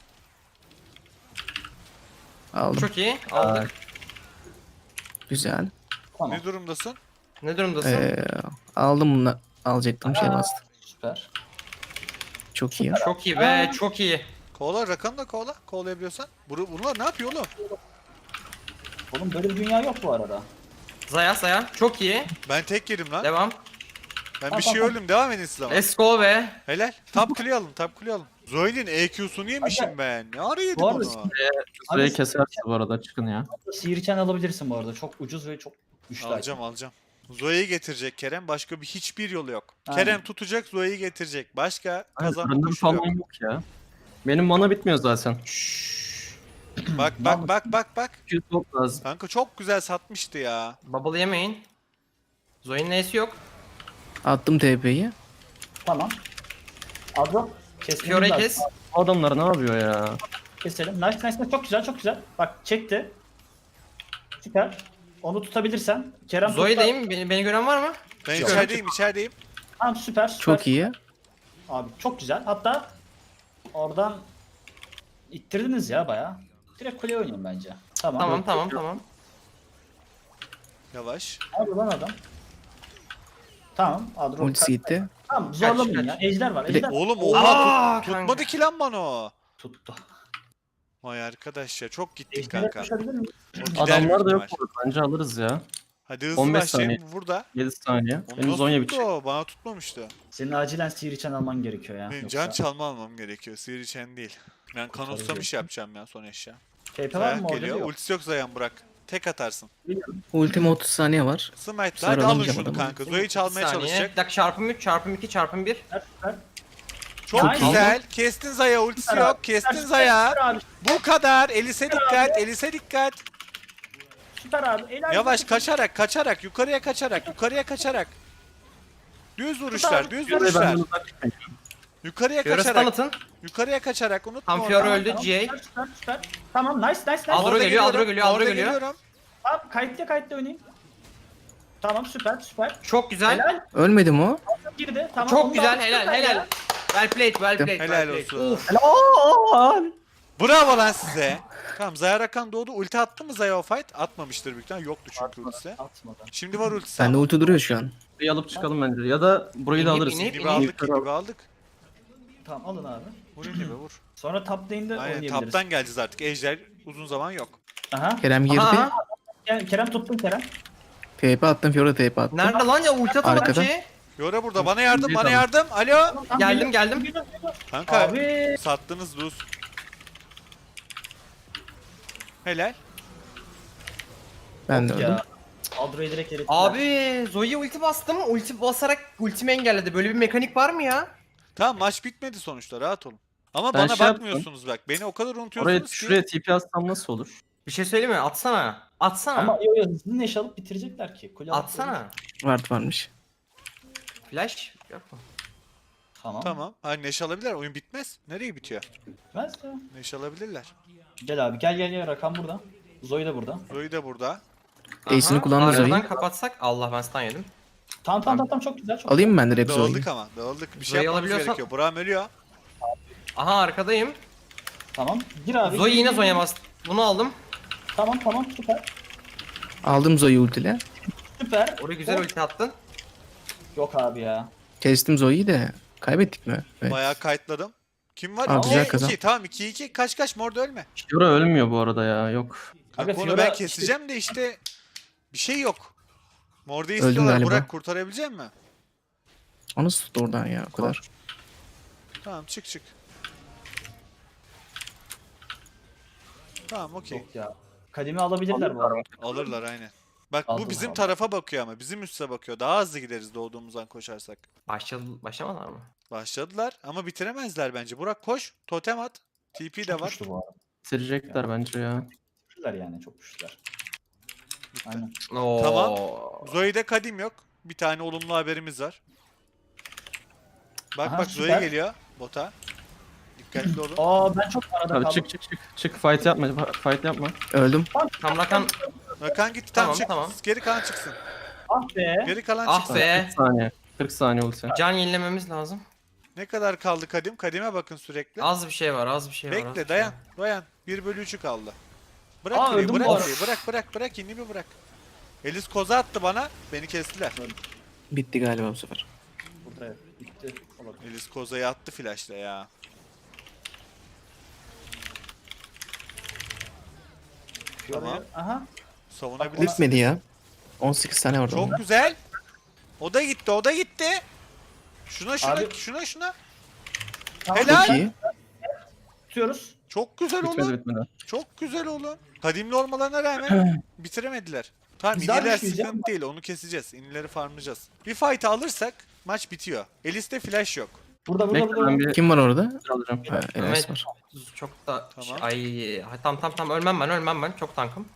[SPEAKER 5] Aldım.
[SPEAKER 4] Çok iyi. Aldık.
[SPEAKER 5] Güzel.
[SPEAKER 2] Tamam.
[SPEAKER 1] Ne durumdasın?
[SPEAKER 4] Ne durumdasın?
[SPEAKER 5] Aldım bunu. Alacaktım şey bastı.
[SPEAKER 2] Süper.
[SPEAKER 5] Çok iyi.
[SPEAKER 4] Çok iyi be çok iyi.
[SPEAKER 1] Kovala rakanı da kovala. Kovalayabiliyorsan. Bunlar ne yapıyor oğlum?
[SPEAKER 2] Oğlum böyle bir dünya yok bu arada.
[SPEAKER 4] Zaya çok iyi.
[SPEAKER 1] Ben tek yedim lan.
[SPEAKER 4] Devam.
[SPEAKER 1] Ben bir şey öldüm. Devam edin siz ama.
[SPEAKER 4] Let's go be.
[SPEAKER 1] Helal. Top kuleyi alın. Top kuleyi alın. Zoe'nin EQ'sunu yemişim ben. Ne ara yedim
[SPEAKER 2] Bu arada
[SPEAKER 1] onu?
[SPEAKER 3] Zoe'yi keserse bu arada çıkın ya.
[SPEAKER 2] Sihirken alabilirsin bu arada. Çok ucuz ve çok güçlü.
[SPEAKER 1] Alacağım. Zoe'yi getirecek Kerem. Başka hiçbir yolu yok.
[SPEAKER 2] Aynen.
[SPEAKER 1] Kerem tutacak, Zoe'yi getirecek. Başka kazanma
[SPEAKER 3] Random
[SPEAKER 1] koşulu yok.
[SPEAKER 3] falan yok ya. Benim mana bitmiyor zaten.
[SPEAKER 1] Bak.
[SPEAKER 3] 200 gold lazım.
[SPEAKER 1] Kanka çok güzel satmıştı ya.
[SPEAKER 4] Bubble yemeyin. Zoe'nin neyse yok.
[SPEAKER 5] Attım TP'yi.
[SPEAKER 2] Tamam. Adro. Kesmemiz
[SPEAKER 4] Fiora'yı
[SPEAKER 2] lazım.
[SPEAKER 4] kes.
[SPEAKER 3] Bu adamlar ne yapıyor ya?
[SPEAKER 2] Keselim. Nice. Çok güzel çok güzel. Bak çekti. Süper. Onu tutabilirsen. Kerem tut da-
[SPEAKER 4] Zoe'deyim. Beni gören var mı?
[SPEAKER 1] Ben
[SPEAKER 4] Yok.
[SPEAKER 1] içerideyim.
[SPEAKER 2] Tamam süper.
[SPEAKER 5] Çok iyi.
[SPEAKER 2] Abi çok güzel. Hatta oradan ittirdiniz ya bayağı. Direkt kuleye oynayın bence. Tamam.
[SPEAKER 4] Tamam.
[SPEAKER 1] Yavaş.
[SPEAKER 2] Abi lan adam. Tamam. Adro.
[SPEAKER 5] Ultisi gitti.
[SPEAKER 2] Tamam zorlamayın
[SPEAKER 4] Kaç.
[SPEAKER 2] ya. Ejder var.
[SPEAKER 5] Bir de-
[SPEAKER 2] Ejder
[SPEAKER 1] Oğlum
[SPEAKER 4] Aa,
[SPEAKER 1] oha
[SPEAKER 4] kanka.
[SPEAKER 1] tutmadı ki lan bana o.
[SPEAKER 2] tuttu.
[SPEAKER 1] Vay arkadaş ya çok gittik
[SPEAKER 2] Ejder'e
[SPEAKER 1] kanka.
[SPEAKER 2] koşabilir miyim?
[SPEAKER 1] O gider
[SPEAKER 3] Adamlar da
[SPEAKER 1] büyük
[SPEAKER 3] yok
[SPEAKER 1] ihtimal.
[SPEAKER 3] burada. Bence alırız ya.
[SPEAKER 1] Hadi hızlı
[SPEAKER 3] 15
[SPEAKER 1] başlayayım burada.
[SPEAKER 3] 7 saniye.
[SPEAKER 1] Onu
[SPEAKER 3] Benim
[SPEAKER 1] nasıl
[SPEAKER 3] Zonya
[SPEAKER 1] tuttu
[SPEAKER 3] bitecek.
[SPEAKER 1] o? Bana tutmamıştı.
[SPEAKER 2] Senin acilen sihir içen alman gerekiyor ya.
[SPEAKER 1] Benim
[SPEAKER 2] Yoksa-
[SPEAKER 1] can çalma almam gerekiyor. Sihir içen değil. Ben kanutsamış yapacağım ya son eşya.
[SPEAKER 2] TP var
[SPEAKER 1] Zayan
[SPEAKER 2] mı orada?
[SPEAKER 1] geliyor.
[SPEAKER 2] Yok.
[SPEAKER 1] Ultisi yok Zayan bırak. Tek atarsın.
[SPEAKER 5] Ultime 30 saniye var.
[SPEAKER 1] Smite
[SPEAKER 5] Sonra
[SPEAKER 1] hadi alın
[SPEAKER 5] alamayacağım
[SPEAKER 1] şunu
[SPEAKER 5] adamı.
[SPEAKER 1] kanka. Zoe'yi çalmaya çalışacak.
[SPEAKER 4] Bir dakika çarpım 3 çarpım 2 çarpım 1.
[SPEAKER 2] Süper, süper.
[SPEAKER 1] Çok
[SPEAKER 2] Nice.
[SPEAKER 1] güzel. Kestin Zaya ultisi
[SPEAKER 2] Süper
[SPEAKER 1] yok.
[SPEAKER 2] abi,
[SPEAKER 1] Kestin
[SPEAKER 2] süper,
[SPEAKER 1] Zaya.
[SPEAKER 2] süper abi,
[SPEAKER 1] Bu kadar. Elise dikkat. Elise dikkat.
[SPEAKER 2] Süper abi. Helal
[SPEAKER 1] Yavaş
[SPEAKER 2] olsun.
[SPEAKER 1] kaçarak. Yukarıya kaçarak. Düz vuruşlar. Düz
[SPEAKER 3] Fiora'yı
[SPEAKER 1] vuruşlar.
[SPEAKER 3] benden uzak tutmayın.
[SPEAKER 1] Yukarıya
[SPEAKER 4] Fiora stun
[SPEAKER 1] kaçarak.
[SPEAKER 4] atın.
[SPEAKER 1] Yukarıya kaçarak. Unutma
[SPEAKER 4] Tam
[SPEAKER 1] onu.
[SPEAKER 4] Fiora
[SPEAKER 2] Tamam,
[SPEAKER 4] öldü.
[SPEAKER 2] tamam,
[SPEAKER 4] GA.
[SPEAKER 2] süper. Tamam nice.
[SPEAKER 4] Adro
[SPEAKER 1] Orada
[SPEAKER 4] geliyor, Adro
[SPEAKER 1] geliyorum,
[SPEAKER 4] geliyor, Adro
[SPEAKER 1] orada
[SPEAKER 4] geliyor.
[SPEAKER 1] geliyorum.
[SPEAKER 2] Tamam kayıtlı oynayayım. Tamam süper.
[SPEAKER 4] Çok güzel.
[SPEAKER 2] Helal.
[SPEAKER 5] Ölmedi mi o?
[SPEAKER 2] Girdi. Tamam.
[SPEAKER 4] Çok
[SPEAKER 2] onu da
[SPEAKER 4] güzel.
[SPEAKER 2] aldık,
[SPEAKER 4] Helal
[SPEAKER 2] süper
[SPEAKER 4] helal.
[SPEAKER 2] ya.
[SPEAKER 4] Well played.
[SPEAKER 1] Helal
[SPEAKER 4] well played.
[SPEAKER 1] olsun. Bravo lan size. Tamam Zaya Rakan doğdu. Ulti attı mı Zaya o fight? Atmamıştır büyük ihtimalle. Yoktu çünkü ultisi.
[SPEAKER 2] Atmadı.
[SPEAKER 1] Şimdi var ultisi.
[SPEAKER 5] Bende
[SPEAKER 1] ama.
[SPEAKER 5] ulti duruyor şu an.
[SPEAKER 3] Bir alıp çıkalım bence. Ya da burayı da
[SPEAKER 4] İnip,
[SPEAKER 3] alırız.
[SPEAKER 4] inip.
[SPEAKER 1] Gibi aldık. Gibi aldık.
[SPEAKER 2] Tamam alın abi.
[SPEAKER 1] Vur inip vur.
[SPEAKER 2] Sonra top lane'de
[SPEAKER 1] Aynen
[SPEAKER 2] oynayabiliriz.
[SPEAKER 1] taptan geleceğiz artık. Ejder uzun zaman yok.
[SPEAKER 2] Aha.
[SPEAKER 5] Kerem girdi.
[SPEAKER 4] Aha.
[SPEAKER 2] Kerem tuttun Kerem.
[SPEAKER 5] TP attım. Fiora TP attım.
[SPEAKER 4] Nerede lan ya ulti atamadı
[SPEAKER 5] Arkada.
[SPEAKER 4] ki.
[SPEAKER 1] Fiora burada. Bana yardım,
[SPEAKER 3] İkinci
[SPEAKER 1] bana
[SPEAKER 3] adam.
[SPEAKER 1] yardım. Alo.
[SPEAKER 2] Tamam,
[SPEAKER 4] Geldim,
[SPEAKER 2] geliyor,
[SPEAKER 4] geldim.
[SPEAKER 2] geliyor, geliyor.
[SPEAKER 1] Kanka
[SPEAKER 2] Abi.
[SPEAKER 1] sattınız Luz. Helal.
[SPEAKER 5] Ben de öldüm.
[SPEAKER 2] Ya. Adro'yu direkt erittiler.
[SPEAKER 4] Abi Zoe'ye ulti bastım. Ulti basarak ultimi engelledi. Böyle bir mekanik var mı ya?
[SPEAKER 1] Tamam maç bitmedi sonuçta rahat olun. Ama
[SPEAKER 3] Ben
[SPEAKER 1] bana
[SPEAKER 3] şey
[SPEAKER 1] bakmıyorsunuz bak. Beni o kadar
[SPEAKER 3] Oraya
[SPEAKER 1] unutuyorsunuz ki.
[SPEAKER 3] şuraya TP atsam nasıl olur?
[SPEAKER 4] Bir şey söyleyeyim mi? Atsana. Atsana.
[SPEAKER 2] Ama yo hızlı neş alıp bitirecekler ki. Kule alıp
[SPEAKER 4] Atsana.
[SPEAKER 5] Ward varmış.
[SPEAKER 4] Flash. Yok mu?
[SPEAKER 2] Tamam.
[SPEAKER 1] Tamam. Hani neşe alabilirler. Oyun bitmez. Nereye bitiyor?
[SPEAKER 2] Bitmez ya.
[SPEAKER 1] Neşe alabilirler.
[SPEAKER 2] Gel abi gel Rakan burada. Zoe de burada.
[SPEAKER 1] Zoe de burada.
[SPEAKER 5] Ace'ini
[SPEAKER 4] Aha,
[SPEAKER 5] kullandı Zoe.
[SPEAKER 4] Aradan kapatsak. Allah ben stun yedim.
[SPEAKER 2] Tamam çok güzel çok
[SPEAKER 5] Alayım mı ben direkt Zoe'yi?
[SPEAKER 1] Dağıldık ama. Dağıldık. Bir şey
[SPEAKER 4] Zoe'yi
[SPEAKER 1] yapmamız
[SPEAKER 4] alabiliyorsan-
[SPEAKER 1] gerekiyor. Burak'ım ölüyor.
[SPEAKER 4] Aha arkadayım.
[SPEAKER 2] güzel. Tamam. Gir abi.
[SPEAKER 4] Zoe
[SPEAKER 2] gir,
[SPEAKER 4] yine
[SPEAKER 2] gir,
[SPEAKER 4] Zoe'ye
[SPEAKER 2] gir.
[SPEAKER 4] bastı. Bunu aldım.
[SPEAKER 2] Tamam süper.
[SPEAKER 5] Aldım Zoe'yi ultiyle.
[SPEAKER 2] Süper.
[SPEAKER 4] Oraya güzel
[SPEAKER 2] Hop.
[SPEAKER 4] ulti attın.
[SPEAKER 2] Yok abi ya.
[SPEAKER 5] Kestim Zoe'yi de. Kaybettik mi? Evet.
[SPEAKER 1] Bayağı kayıtladım. Kim var?
[SPEAKER 5] Aa, güzel
[SPEAKER 1] 2
[SPEAKER 5] kazan.
[SPEAKER 1] 2. Tamam 2-2. Kaç Mor da ölme.
[SPEAKER 3] Fiora ölmüyor bu arada ya, yok.
[SPEAKER 2] Aga,
[SPEAKER 1] Kanka onu
[SPEAKER 2] Fiora
[SPEAKER 1] ben keseceğim de işte bir şey yok. Mor'da
[SPEAKER 5] Öldüm
[SPEAKER 1] istiyorlar.
[SPEAKER 5] galiba.
[SPEAKER 1] Burak kurtarabilecek mi?
[SPEAKER 5] O nasıl tuttu oradan ya o kadar?
[SPEAKER 1] Tamam çık. Tamam okey.
[SPEAKER 2] Yok ya. Kademi alabilirler bu arada.
[SPEAKER 1] Alırlar aynen. Bak bu
[SPEAKER 2] Aldılar,
[SPEAKER 1] bizim
[SPEAKER 2] aldılar.
[SPEAKER 1] tarafa bakıyor ama bizim üste bakıyor. Daha hızlı gideriz doğduğumuzdan koşarsak.
[SPEAKER 4] Başlamadılar mı?
[SPEAKER 1] Başladılar ama bitiremezler bence. Burak koş. Totem at. TP de
[SPEAKER 2] Çok
[SPEAKER 1] var.
[SPEAKER 2] güçlü bu arada.
[SPEAKER 3] Bitirecekler bence ya.
[SPEAKER 2] Güçlüler yani çok güçlüler. Aynen.
[SPEAKER 4] Oo.
[SPEAKER 1] Tamam. Zoe'de kadim yok. Bir tane olumlu haberimiz var. Bak
[SPEAKER 2] Aha,
[SPEAKER 1] bak Zoe
[SPEAKER 2] süper.
[SPEAKER 1] geliyor bota. Dikkatli olun.
[SPEAKER 2] Aa ben çok arada
[SPEAKER 3] Abi
[SPEAKER 2] kaldım.
[SPEAKER 3] çık fight yapma, fight yapma.
[SPEAKER 5] Öldüm.
[SPEAKER 4] Tam Rakan.
[SPEAKER 1] Rakan gitti tamam,
[SPEAKER 4] Tamam,
[SPEAKER 1] çık.
[SPEAKER 4] tamam.
[SPEAKER 1] Geri kalan çıksın.
[SPEAKER 2] Ah be.
[SPEAKER 1] Geri kalan
[SPEAKER 4] Ah
[SPEAKER 1] çıksın.
[SPEAKER 4] be.
[SPEAKER 3] 40 saniye. 40 saniye ulti.
[SPEAKER 4] Can yenilememiz lazım.
[SPEAKER 1] Ne kadar kaldı kadim? Kadime bakın sürekli.
[SPEAKER 4] Az bir şey var, az bir şey var. az bir
[SPEAKER 1] Bekle
[SPEAKER 4] şey
[SPEAKER 1] dayan.
[SPEAKER 4] var.
[SPEAKER 1] Dayan. 1/3'ü kaldı. Bırak
[SPEAKER 2] Aa,
[SPEAKER 1] kuleyi,
[SPEAKER 2] öldüm
[SPEAKER 1] bırak
[SPEAKER 2] bu arada.
[SPEAKER 1] kuleyi. Bırak yeni bir bırak. Elis koza attı bana. Beni kestiler.
[SPEAKER 5] Bitti galiba bu sefer.
[SPEAKER 2] Burada bitti. Olabilir.
[SPEAKER 1] Elis kozayı attı flashla ya. Tamam.
[SPEAKER 2] Aha.
[SPEAKER 1] Savunabilirsin.
[SPEAKER 5] Bitmedi ya. 18 tane orada.
[SPEAKER 1] Çok güzel. O da gitti. Şuna
[SPEAKER 2] Abi-
[SPEAKER 1] şuna.
[SPEAKER 2] Tamam,
[SPEAKER 1] Helal.
[SPEAKER 5] Çok iyi.
[SPEAKER 2] Tutuyoruz.
[SPEAKER 1] Çok güzel
[SPEAKER 3] Bitmedi
[SPEAKER 1] oğlum.
[SPEAKER 3] bitmedi.
[SPEAKER 1] Çok güzel oğlum. Kadimli olmalarına rağmen bitiremediler. Tamam
[SPEAKER 2] Biz daha
[SPEAKER 1] iniler
[SPEAKER 2] güçlüyüz ya.
[SPEAKER 1] sıkıntı değil. Onu keseceğiz. İnileri farmlayacağız. Bir fight alırsak maç bitiyor. Elis'te flash yok.
[SPEAKER 2] Burada
[SPEAKER 3] Bekle ben bir
[SPEAKER 5] Kim var orada?
[SPEAKER 3] alacağım.
[SPEAKER 5] Ha, Enes
[SPEAKER 4] Evet.
[SPEAKER 5] var.
[SPEAKER 4] Çok da
[SPEAKER 1] Tamam.
[SPEAKER 4] ay tam ölmem ben. Çok tankım.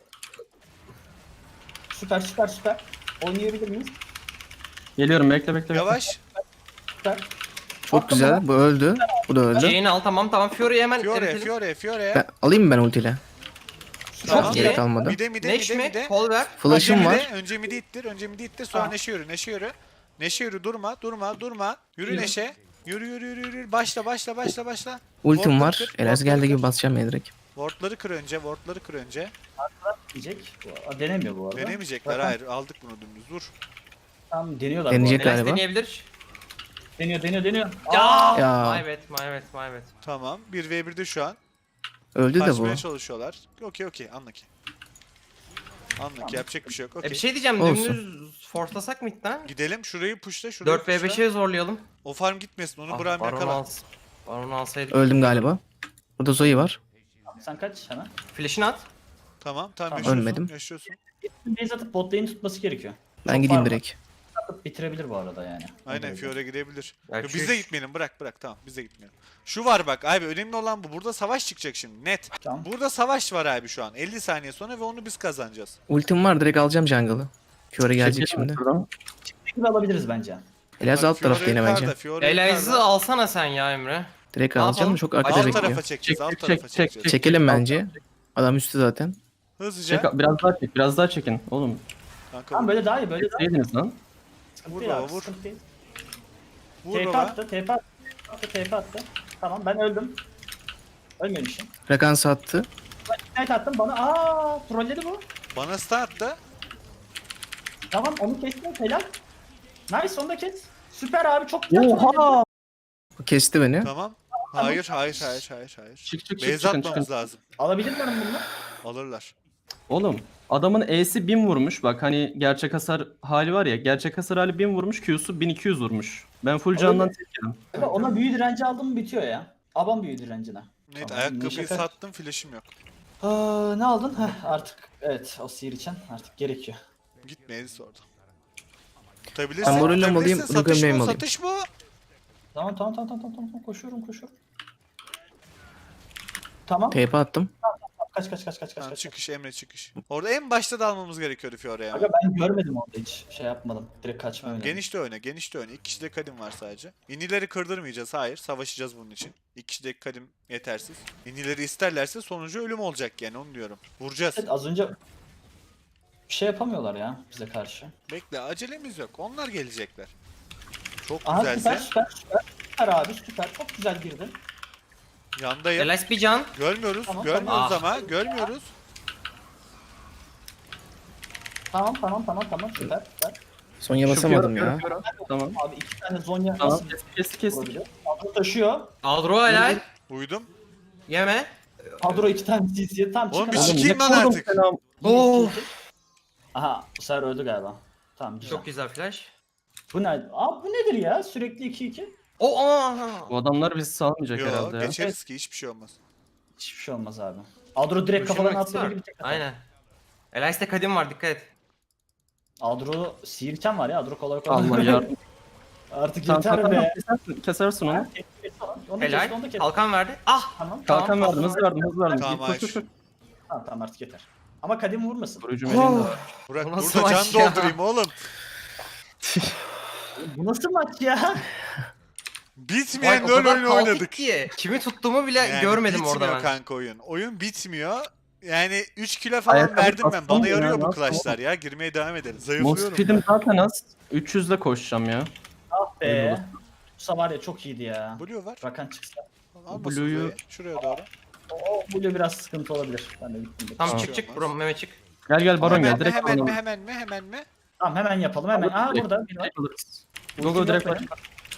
[SPEAKER 2] Süper. Oynayabilir miyiz?
[SPEAKER 3] Geliyorum, bekle.
[SPEAKER 1] Yavaş.
[SPEAKER 2] Süper.
[SPEAKER 5] Çok
[SPEAKER 2] Attım
[SPEAKER 5] güzel.
[SPEAKER 2] onu.
[SPEAKER 5] Bu öldü. Bu da öldü.
[SPEAKER 4] Jane'i al tamam. Fury'yi hemen
[SPEAKER 1] Fiore.
[SPEAKER 5] Ben, alayım mı ben ultiyle?
[SPEAKER 1] Tamam.
[SPEAKER 4] Çok
[SPEAKER 5] Gerek
[SPEAKER 4] iyi.
[SPEAKER 5] kalmadı.
[SPEAKER 4] Neş mi?
[SPEAKER 1] Mide.
[SPEAKER 4] Kol ver.
[SPEAKER 5] Flash'ım var.
[SPEAKER 1] Önce midi ittir. Sonra
[SPEAKER 2] Tamam.
[SPEAKER 1] Neşe yürü. Neşe yürü. Durma. Yürü
[SPEAKER 2] Yürü.
[SPEAKER 1] Neşe. Yürü. Başla.
[SPEAKER 5] Ultim
[SPEAKER 1] Ward'ları
[SPEAKER 5] var.
[SPEAKER 1] kır,
[SPEAKER 5] Enes
[SPEAKER 1] ward'ları
[SPEAKER 5] geldi gibi
[SPEAKER 1] kır.
[SPEAKER 5] basacağım ya direkt.
[SPEAKER 1] Ward'ları kır önce.
[SPEAKER 2] Diyecek. Denemiyor bu arada.
[SPEAKER 1] Denemeyecekler.
[SPEAKER 2] Zaten-
[SPEAKER 1] Hayır. Aldık bunu dümdüz. Vur.
[SPEAKER 2] Tamam deniyorlar
[SPEAKER 5] Deneyecek
[SPEAKER 2] bu arada.
[SPEAKER 4] Enes
[SPEAKER 5] galiba.
[SPEAKER 4] deneyebilir.
[SPEAKER 2] Deniyor.
[SPEAKER 4] Ya.
[SPEAKER 5] Ya.
[SPEAKER 4] My bad.
[SPEAKER 1] Tamam. 1v1'de şu an.
[SPEAKER 5] Öldü de bu.
[SPEAKER 1] Kaçmaya çalışıyorlar. Okey. Anlaki. Yapacak bir şey yok.
[SPEAKER 4] Bir
[SPEAKER 1] Okey.
[SPEAKER 4] şey diyeceğim.
[SPEAKER 5] Olsun.
[SPEAKER 4] Dümdüz forslasak mı midden?
[SPEAKER 1] Gidelim. Şurayı pushla.
[SPEAKER 4] 4v5'e zorlayalım.
[SPEAKER 1] O farm gitmesin. Onu
[SPEAKER 4] Ah,
[SPEAKER 1] Burak'ım
[SPEAKER 4] Baron
[SPEAKER 1] yakala.
[SPEAKER 4] alsın. Baron alsaydık.
[SPEAKER 5] Öldüm galiba. Burada Zoe var.
[SPEAKER 2] Sen kaç hemen.
[SPEAKER 4] Flash'ini at.
[SPEAKER 1] Tamam.
[SPEAKER 5] Ölmedim.
[SPEAKER 1] Yaşıyorsun.
[SPEAKER 2] Base atıp bot lane tutması gerekiyor.
[SPEAKER 5] Ben
[SPEAKER 2] Çok
[SPEAKER 5] gideyim
[SPEAKER 2] var mı?
[SPEAKER 5] direkt.
[SPEAKER 2] Atıp bitirebilir bu arada yani.
[SPEAKER 1] Aynen Fiore gidebilir.
[SPEAKER 4] Ya
[SPEAKER 1] Yo,
[SPEAKER 4] şu-
[SPEAKER 1] biz de gitmeyelim. Bırak. Tamam. Biz de gitmeyelim. Şu var bak abi. Önemli olan bu. Burada savaş çıkacak şimdi. Net.
[SPEAKER 2] Tamam.
[SPEAKER 1] Burada savaş var abi şu an. 50 saniye sonra ve onu biz kazanacağız.
[SPEAKER 5] Ultim var direkt alacağım jungle'ı. Fiora gelecek
[SPEAKER 3] Çekelim
[SPEAKER 5] şimdi.
[SPEAKER 3] şuradan.
[SPEAKER 2] Gibi alabiliriz bence.
[SPEAKER 5] Elas
[SPEAKER 1] Bak,
[SPEAKER 5] alt tarafta
[SPEAKER 1] Fiore
[SPEAKER 5] yine bence.
[SPEAKER 1] yukarıda, Fiore
[SPEAKER 4] Elazığ'ı
[SPEAKER 1] yukarıda.
[SPEAKER 4] alsana sen ya Emre.
[SPEAKER 5] Direkt
[SPEAKER 4] Ne
[SPEAKER 5] alacağım
[SPEAKER 4] yapalım?
[SPEAKER 5] da çok arkada
[SPEAKER 1] Alt
[SPEAKER 5] bekliyor.
[SPEAKER 1] tarafa çekeceğiz.
[SPEAKER 3] Çek,
[SPEAKER 1] Alt
[SPEAKER 3] çek,
[SPEAKER 1] tarafa
[SPEAKER 3] çek,
[SPEAKER 1] çekeceğiz.
[SPEAKER 3] çek.
[SPEAKER 5] Çekelim bence. Adam üstte zaten.
[SPEAKER 1] Hızlıca.
[SPEAKER 3] Biraz daha çekin. Oğlum,
[SPEAKER 1] Kanka
[SPEAKER 2] Tamam böyle daha iyi böyle daha iyi.
[SPEAKER 3] yediniz lan.
[SPEAKER 2] Sıkıntı
[SPEAKER 1] Vur
[SPEAKER 2] değil
[SPEAKER 1] baba,
[SPEAKER 2] abi,
[SPEAKER 1] vur.
[SPEAKER 2] sıkıntı değil.
[SPEAKER 1] vur
[SPEAKER 2] TP
[SPEAKER 1] baba.
[SPEAKER 2] attı. TP attı. Tamam ben öldüm. Ölmemişim.
[SPEAKER 5] Rakan sattı.
[SPEAKER 2] Ignite attım bana. Trolledi bu.
[SPEAKER 1] Bana stun attı.
[SPEAKER 2] Tamam onu kestim helal. Nice onu da kes. Süper abi çok güzel.
[SPEAKER 3] Oha!
[SPEAKER 5] O kesti beni.
[SPEAKER 1] Tamam. Hayır.
[SPEAKER 3] Çık
[SPEAKER 1] Base
[SPEAKER 3] çıkın.
[SPEAKER 1] atmamız lazım.
[SPEAKER 2] Alabilir miyim bunu?
[SPEAKER 1] Alırlar.
[SPEAKER 3] Oğlum adamın E'si 1000 vurmuş. Bak hani gerçek hasar hali var ya. Gerçek hasar hali 1000 vurmuş. Q'su 1200 vurmuş. Ben full candan tek yedim.
[SPEAKER 2] Ama ona büyü direnci aldım mı bitiyor ya. Aban büyü direncine.
[SPEAKER 1] Evet,
[SPEAKER 2] Tamam,
[SPEAKER 1] ayakkabıyı
[SPEAKER 2] şaka.
[SPEAKER 1] sattım, flash'im yok.
[SPEAKER 2] Ne aldın? Heh, artık evet o sihir için artık gerekiyor.
[SPEAKER 1] Gitmeyiz orada. Tutabilirsin,
[SPEAKER 5] Ben Morello mu alayım,
[SPEAKER 1] tutabilirsin.
[SPEAKER 5] bunu
[SPEAKER 1] Satış
[SPEAKER 5] gömleği mi
[SPEAKER 1] bu,
[SPEAKER 5] alayım?
[SPEAKER 1] satış bu.
[SPEAKER 2] Tamam koşuyorum. Tamam.
[SPEAKER 5] TP attım.
[SPEAKER 2] Kaç.
[SPEAKER 1] Tamam, çıkış Emre çıkış. Orada en başta da almamız gerekiyordu Fiora'ya.
[SPEAKER 2] Aga ben görmedim orada hiç şey yapmadım. Direkt kaçma
[SPEAKER 1] Tamam,
[SPEAKER 2] oynadım.
[SPEAKER 1] geniş de oyna, geniş de oyna. İki kişide kadim var sadece. İnileri kırdırmayacağız, hayır. Savaşacağız bunun için. İki kişideki kadim yetersiz. İnileri isterlerse sonucu ölüm olacak yani, onu diyorum. Vuracağız.
[SPEAKER 2] Evet, az önce bir şey yapamıyorlar ya bize karşı.
[SPEAKER 1] Bekle, acelemiz yok. Onlar gelecekler. Çok
[SPEAKER 2] Aha
[SPEAKER 1] güzelse.
[SPEAKER 2] süper abi süper. Çok güzel girdin.
[SPEAKER 1] Yandayım.
[SPEAKER 4] Elias bir can.
[SPEAKER 1] Görmüyoruz,
[SPEAKER 2] Tamam,
[SPEAKER 1] görmüyoruz
[SPEAKER 4] tamam.
[SPEAKER 1] ama. Görmüyoruz.
[SPEAKER 2] Tamam süper.
[SPEAKER 5] Sonya
[SPEAKER 3] Şu
[SPEAKER 5] basamadım
[SPEAKER 3] Fiora,
[SPEAKER 5] ya.
[SPEAKER 3] Fiora. Tamam.
[SPEAKER 2] Abi 2 tane Zonya
[SPEAKER 3] Tamam.
[SPEAKER 2] nasıl
[SPEAKER 3] Kestik.
[SPEAKER 2] vurabiliyor? Kadro taşıyor.
[SPEAKER 4] Aldro helal.
[SPEAKER 1] Uydum.
[SPEAKER 4] Yeme.
[SPEAKER 2] Kadro 2 tane CC'ye tam
[SPEAKER 1] Oğlum
[SPEAKER 2] çıkar.
[SPEAKER 1] bir
[SPEAKER 2] abi.
[SPEAKER 1] sikeyim lan
[SPEAKER 3] vurdum
[SPEAKER 1] artık.
[SPEAKER 3] selam.
[SPEAKER 4] Of.
[SPEAKER 2] Aha bu sefer öldü galiba. Tamam güzel.
[SPEAKER 4] Çok güzel flash.
[SPEAKER 2] Bu ne? Abi bu nedir ya? Sürekli 2-2.
[SPEAKER 4] O aa.
[SPEAKER 3] Bu adamlar bizi salmayacak
[SPEAKER 1] Yo,
[SPEAKER 3] herhalde ya.
[SPEAKER 1] geçeriz ki hiçbir şey olmaz.
[SPEAKER 2] Hiçbir şey olmaz abi. Adro direkt
[SPEAKER 4] Duşun
[SPEAKER 2] kafadan
[SPEAKER 4] ultisi
[SPEAKER 2] atladığı
[SPEAKER 4] var.
[SPEAKER 2] gibi tek atar.
[SPEAKER 4] Aynen. Elias'te kadim var, dikkat et.
[SPEAKER 2] Adro sihirken var ya. Adro kolay kolay.
[SPEAKER 3] Allah yardım.
[SPEAKER 2] Artık
[SPEAKER 3] Tamam,
[SPEAKER 2] yeter
[SPEAKER 3] tamam,
[SPEAKER 2] be.
[SPEAKER 3] kesersin onu.
[SPEAKER 2] Onu kes,
[SPEAKER 4] Helal.
[SPEAKER 2] onu da kes.
[SPEAKER 4] Kalkan verdi. Ah.
[SPEAKER 2] Tamam.
[SPEAKER 3] Kalkan
[SPEAKER 4] Tamam,
[SPEAKER 3] verdim, hız verdim.
[SPEAKER 1] Tamam,
[SPEAKER 3] Git, koş.
[SPEAKER 2] Tamam artık yeter. Ama kadim vurmasın.
[SPEAKER 3] Vurucu melinde.
[SPEAKER 1] Burak
[SPEAKER 4] Bu nasıl
[SPEAKER 1] burada can
[SPEAKER 4] maç ya?
[SPEAKER 1] doldurayım oğlum.
[SPEAKER 2] Bu nasıl maç ya?
[SPEAKER 1] Bitmeyen
[SPEAKER 4] Vay, o
[SPEAKER 1] LoL
[SPEAKER 4] kadar
[SPEAKER 1] oyunu
[SPEAKER 4] kaotik
[SPEAKER 1] oynadık.
[SPEAKER 4] ki. Kimi tuttuğumu bile
[SPEAKER 1] Yani
[SPEAKER 4] görmedim orada
[SPEAKER 1] bitmiyor
[SPEAKER 4] ben.
[SPEAKER 1] kanka oyun. Oyun bitmiyor. Yani 3 kilo falan
[SPEAKER 3] Ayakkabı
[SPEAKER 1] verdim ben. Bana
[SPEAKER 3] bastım ya,
[SPEAKER 1] yarıyor bu
[SPEAKER 3] nasıl
[SPEAKER 1] clash'lar ya. Girmeye devam ederiz.
[SPEAKER 3] Most
[SPEAKER 1] Zayıflıyorum.
[SPEAKER 3] speed'im zaten az. 300 ile koşacağım ya.
[SPEAKER 2] Ah
[SPEAKER 3] Öyle
[SPEAKER 2] be.
[SPEAKER 3] olur.
[SPEAKER 2] Bu var ya çok iyiydi ya.
[SPEAKER 1] Blue var.
[SPEAKER 2] Rakan çıksa.
[SPEAKER 1] Al
[SPEAKER 3] Blue'yu-
[SPEAKER 1] Blue'yu şuraya doğru.
[SPEAKER 2] O Blue biraz sıkıntı olabilir. Ben de gittim.
[SPEAKER 4] Tamam,
[SPEAKER 1] Hiçbir
[SPEAKER 4] çık
[SPEAKER 1] şey
[SPEAKER 4] çık
[SPEAKER 1] olmaz.
[SPEAKER 4] bro, Mehmet çık.
[SPEAKER 3] Gel baron
[SPEAKER 1] Hemen
[SPEAKER 3] gel
[SPEAKER 1] mi,
[SPEAKER 3] direkt
[SPEAKER 1] hemen
[SPEAKER 3] baron.
[SPEAKER 1] mi, hemen mi?
[SPEAKER 2] Tamam hemen yapalım hemen. Aa burada bir var.
[SPEAKER 3] Direkt alırız.
[SPEAKER 2] Ultim
[SPEAKER 3] Go direkt
[SPEAKER 2] yok
[SPEAKER 3] baron.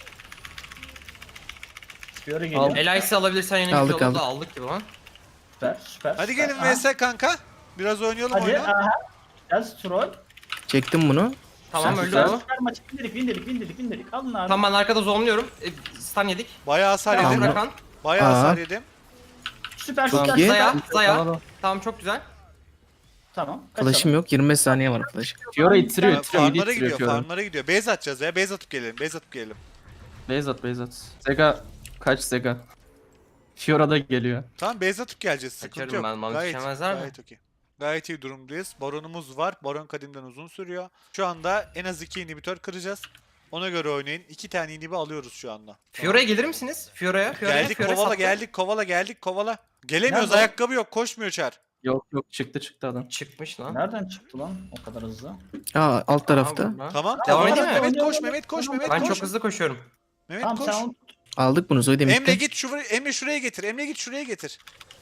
[SPEAKER 2] Fiora geliyor.
[SPEAKER 4] Elias'ı alabilirsen yine
[SPEAKER 5] Aldık,
[SPEAKER 4] güzel oldu da
[SPEAKER 5] aldık.
[SPEAKER 4] aldık gibi lan.
[SPEAKER 2] Süper.
[SPEAKER 1] Hadi
[SPEAKER 2] süper.
[SPEAKER 1] gelin
[SPEAKER 2] Aha,
[SPEAKER 1] vs kanka. Biraz oynayalım
[SPEAKER 2] Hadi
[SPEAKER 1] oyunu.
[SPEAKER 2] aha. Gel Stroll.
[SPEAKER 5] Çektim bunu.
[SPEAKER 4] Tamam, öldü
[SPEAKER 2] Süper
[SPEAKER 4] bu.
[SPEAKER 2] süper maçı win dedik. Alın abi.
[SPEAKER 4] Tamam, ben arkada zonluyorum. Stun yedik.
[SPEAKER 1] Bayağı hasar
[SPEAKER 2] Tamam.
[SPEAKER 1] yedim.
[SPEAKER 4] Rakan.
[SPEAKER 1] Bayağı
[SPEAKER 5] Aa.
[SPEAKER 1] hasar yedim.
[SPEAKER 2] Süper
[SPEAKER 5] Çok
[SPEAKER 2] süper.
[SPEAKER 5] iyi.
[SPEAKER 4] Zaya.
[SPEAKER 3] Tamam.
[SPEAKER 4] Tamam, çok güzel.
[SPEAKER 2] Tamam.
[SPEAKER 5] Flash'ım yok. 25 saniye var flash.
[SPEAKER 3] Fiora ittiriyor, midi
[SPEAKER 1] Farmlara
[SPEAKER 3] ittiriyor
[SPEAKER 1] gidiyor,
[SPEAKER 3] Fiora.
[SPEAKER 1] farmlara gidiyor. Base atacağız ya. Base atıp gelelim.
[SPEAKER 3] Beyzat. Zega kaç Zega? Fiora da geliyor.
[SPEAKER 1] Tamam, base atıp geleceğiz. Sıkıntı
[SPEAKER 4] Kaçarım
[SPEAKER 1] yok.
[SPEAKER 4] ben, bana
[SPEAKER 1] Gayet,
[SPEAKER 4] düşemezler mi?
[SPEAKER 1] gayet okey. Gayet iyi durumdayız. Baronumuz var. Baron kadimden uzun sürüyor. Şu anda en az 2 inhibitor kıracağız. Ona göre oynayın. 2 tane inhibi alıyoruz şu anda.
[SPEAKER 4] Fiora'ya gelir misiniz? Fiora'ya.
[SPEAKER 1] Geldik, kovala. Gelemiyoruz,
[SPEAKER 2] Nerede?
[SPEAKER 1] ayakkabı yok. Koşmuyor Çar.
[SPEAKER 3] Yok çıktı adam.
[SPEAKER 4] Çıkmış lan.
[SPEAKER 2] Nereden çıktı lan o kadar hızlı?
[SPEAKER 5] Aa alt tarafta.
[SPEAKER 4] Tamam, burada.
[SPEAKER 1] Tamam.
[SPEAKER 4] Devam
[SPEAKER 1] tamam.
[SPEAKER 4] edeyim mi?
[SPEAKER 1] Mehmet koş,
[SPEAKER 2] Oynayalım.
[SPEAKER 1] Mehmet koş,
[SPEAKER 2] Tamam,
[SPEAKER 1] Mehmet
[SPEAKER 4] Ben
[SPEAKER 1] koş.
[SPEAKER 4] çok hızlı koşuyorum.
[SPEAKER 1] Mehmet
[SPEAKER 2] Tamam
[SPEAKER 1] koş.
[SPEAKER 2] sen onu
[SPEAKER 5] Aldık bunu Zoe
[SPEAKER 1] Emre
[SPEAKER 5] Demir'de.
[SPEAKER 1] git Emre şuraya getir. Emre git şuraya getir.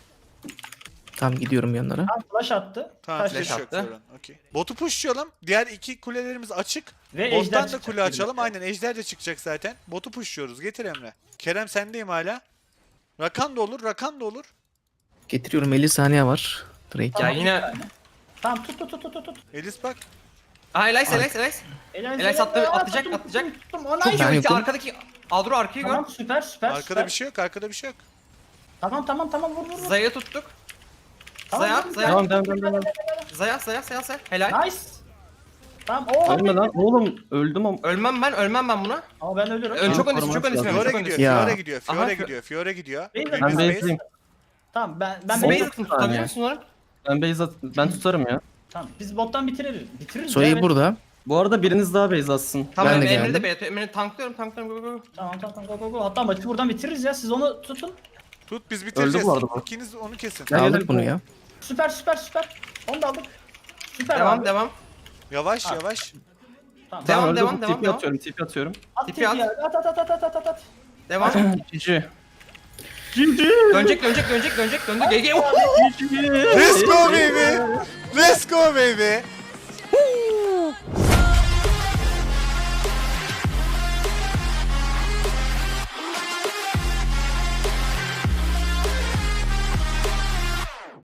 [SPEAKER 5] Tamam gidiyorum yanlara.
[SPEAKER 2] tam flash attı.
[SPEAKER 1] Tamam,
[SPEAKER 2] Taş
[SPEAKER 1] flash
[SPEAKER 4] flash
[SPEAKER 1] yok.
[SPEAKER 4] attı.
[SPEAKER 1] Zoran, okey. Botu pushlayalım. Diğer iki kulelerimiz açık.
[SPEAKER 2] Ve ejder
[SPEAKER 1] Bottan da
[SPEAKER 2] çıkacak
[SPEAKER 1] kule açalım.
[SPEAKER 2] birlikte.
[SPEAKER 1] Aynen, ejder de çıkacak zaten. Botu pushluyoruz. Getir Emre. Kerem sendeyim hala. Rakan da olur.
[SPEAKER 5] Getiriyorum 50 saniye var. Drake.
[SPEAKER 4] Ya
[SPEAKER 2] Tamam,
[SPEAKER 4] yine...
[SPEAKER 2] bir tane. Tamam tut.
[SPEAKER 1] Elis bak.
[SPEAKER 4] Aha, Elias. Elias attı, atlayacak.
[SPEAKER 2] Tuttum. O
[SPEAKER 5] Çok
[SPEAKER 2] nice.
[SPEAKER 5] ben
[SPEAKER 4] Ulti
[SPEAKER 5] yokum.
[SPEAKER 4] arkadaki Adro arkayı gör.
[SPEAKER 2] Tamam süper.
[SPEAKER 1] Arkada bir şey yok.
[SPEAKER 2] Tamam vur.
[SPEAKER 4] Zaya tuttuk.
[SPEAKER 2] Tamam,
[SPEAKER 4] Zaya.
[SPEAKER 2] tamam.
[SPEAKER 3] Devam.
[SPEAKER 4] Zaya. Helal.
[SPEAKER 2] Nice. Tamam
[SPEAKER 3] Ölme lan oğlum öldüm ama.
[SPEAKER 4] Ölmem ben buna.
[SPEAKER 2] Ama ben ölürüm.
[SPEAKER 4] Çok öndesin,
[SPEAKER 3] Korumak
[SPEAKER 4] çok öndesin.
[SPEAKER 3] lazım.
[SPEAKER 4] Çok
[SPEAKER 1] Fiora
[SPEAKER 4] öndesin.
[SPEAKER 1] gidiyor.
[SPEAKER 5] Ya.
[SPEAKER 1] Fiora gidiyor.
[SPEAKER 2] Ben
[SPEAKER 1] Biz
[SPEAKER 3] Ben
[SPEAKER 1] base-
[SPEAKER 3] base'liyim.
[SPEAKER 2] Tamam ben
[SPEAKER 4] Siz
[SPEAKER 3] Oldu.
[SPEAKER 4] base atın, tutabilir misin onları?
[SPEAKER 3] Ben tutarım ya.
[SPEAKER 2] Tamam biz bottan bitiririz.
[SPEAKER 5] Zoe
[SPEAKER 2] ya.
[SPEAKER 5] burada.
[SPEAKER 3] Bu arada biriniz daha base atsın.
[SPEAKER 4] Tamam,
[SPEAKER 5] Ben de
[SPEAKER 4] Emre'yi de
[SPEAKER 5] geldim.
[SPEAKER 4] beyat. Emre'yi tanklıyorum. Go.
[SPEAKER 2] Tamam go. Hatta maçı buradan bitiririz ya. Siz onu tutun.
[SPEAKER 1] Tut, biz bitireceğiz.
[SPEAKER 3] bu arada bu.
[SPEAKER 1] İkiniz onu kesin.
[SPEAKER 3] Gel,
[SPEAKER 5] Aldık
[SPEAKER 3] gel.
[SPEAKER 5] bunu ya.
[SPEAKER 2] Süper. Onu da aldık. Süper abi.
[SPEAKER 4] Devam.
[SPEAKER 1] Yavaş.
[SPEAKER 2] Tamam.
[SPEAKER 4] Devam.
[SPEAKER 3] TP atıyorum.
[SPEAKER 2] At
[SPEAKER 4] Tipi
[SPEAKER 2] tipi
[SPEAKER 4] at.
[SPEAKER 2] ya. At.
[SPEAKER 4] Devam.
[SPEAKER 3] GG.
[SPEAKER 4] Dönecek. Döndü. GG.
[SPEAKER 1] Let's go baby.